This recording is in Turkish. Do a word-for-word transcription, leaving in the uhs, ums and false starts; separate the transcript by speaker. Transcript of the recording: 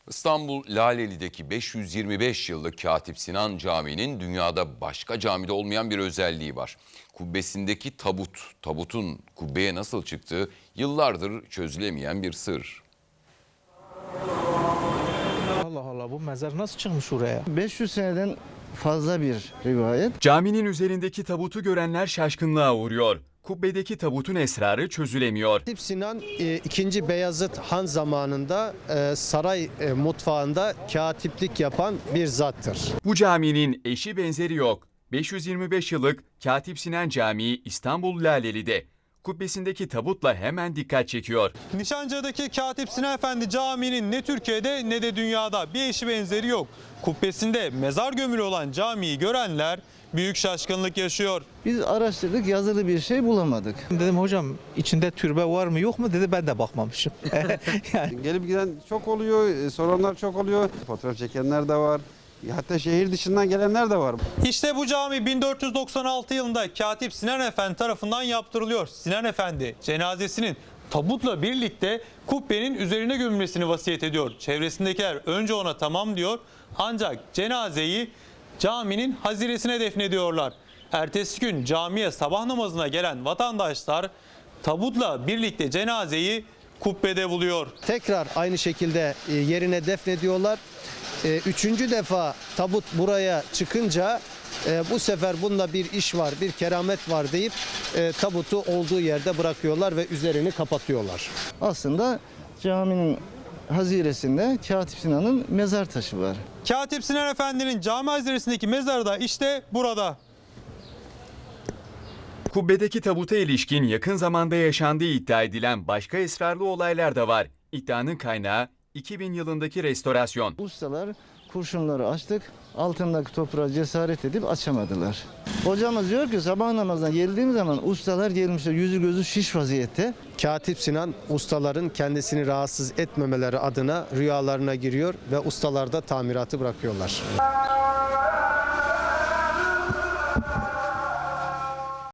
Speaker 1: İstanbul Laleli'deki beş yüz yirmi beş yıllık Katip Sinan Camii'nin dünyada başka camide olmayan bir özelliği var. Kubbesindeki tabut, tabutun kubbeye nasıl çıktığı yıllardır çözülemeyen bir sır.
Speaker 2: Allah Allah, bu mezar nasıl çıkmış oraya?
Speaker 3: beş yüz seneden fazla bir rivayet.
Speaker 4: Caminin üzerindeki tabutu görenler şaşkınlığa uğruyor. Kubbedeki tabutun esrarı çözülemiyor.
Speaker 5: Katip Sinan ikinci. Beyazıt Han zamanında e, saray e, mutfağında katiplik yapan bir zattır.
Speaker 4: Bu caminin eşi benzeri yok. beş yüz yirmi beş yıllık Katip Sinan Camii İstanbul Laleli'de. Kubbesindeki tabutla hemen dikkat çekiyor.
Speaker 6: Nişancı'daki Katip Sinan Efendi Camii'nin ne Türkiye'de ne de dünyada bir eşi benzeri yok. Kubbesinde mezar gömülü olan camiyi görenler büyük şaşkınlık yaşıyor.
Speaker 3: Biz araştırdık, yazılı bir şey bulamadık.
Speaker 2: Dedim hocam, içinde türbe var mı yok mu, dedi, ben de bakmamışım. Yani.
Speaker 7: Gelip giden çok oluyor, soranlar çok oluyor. Fotoğraf çekenler de var. Hatta şehir dışından gelenler de var.
Speaker 6: İşte bu cami bin dört yüz doksan altı yılında Katip Sinan Efendi tarafından yaptırılıyor. Sinan Efendi cenazesinin tabutla birlikte kubbenin üzerine gömülmesini vasiyet ediyor. Çevresindekiler önce ona tamam diyor, ancak cenazeyi caminin haziresine defnediyorlar. Ertesi gün camiye sabah namazına gelen vatandaşlar tabutla birlikte cenazeyi kubbede buluyor.
Speaker 5: Tekrar aynı şekilde e, yerine defnediyorlar. E, üçüncü defa tabut buraya çıkınca e, bu sefer bunda bir iş var, bir keramet var deyip e, tabutu olduğu yerde bırakıyorlar ve üzerini kapatıyorlar.
Speaker 3: Aslında caminin haziresinde Katip Sinan'ın mezar taşı var.
Speaker 6: Katip Sinan Efendi'nin cami haziresindeki mezarı da işte burada.
Speaker 4: Kubbedeki tabuta ilişkin yakın zamanda yaşandığı iddia edilen başka esrarlı olaylar da var. İddianın kaynağı iki bin yılındaki restorasyon.
Speaker 3: Ustalar kurşunları açtık, altındaki toprağa cesaret edip açamadılar. Hocamız diyor ki sabah namazına geldiğim zaman ustalar gelmişler, yüzü gözü şiş vaziyette.
Speaker 5: Katip Sinan ustaların kendisini rahatsız etmemeleri adına rüyalarına giriyor ve ustalar da tamiratı bırakıyorlar.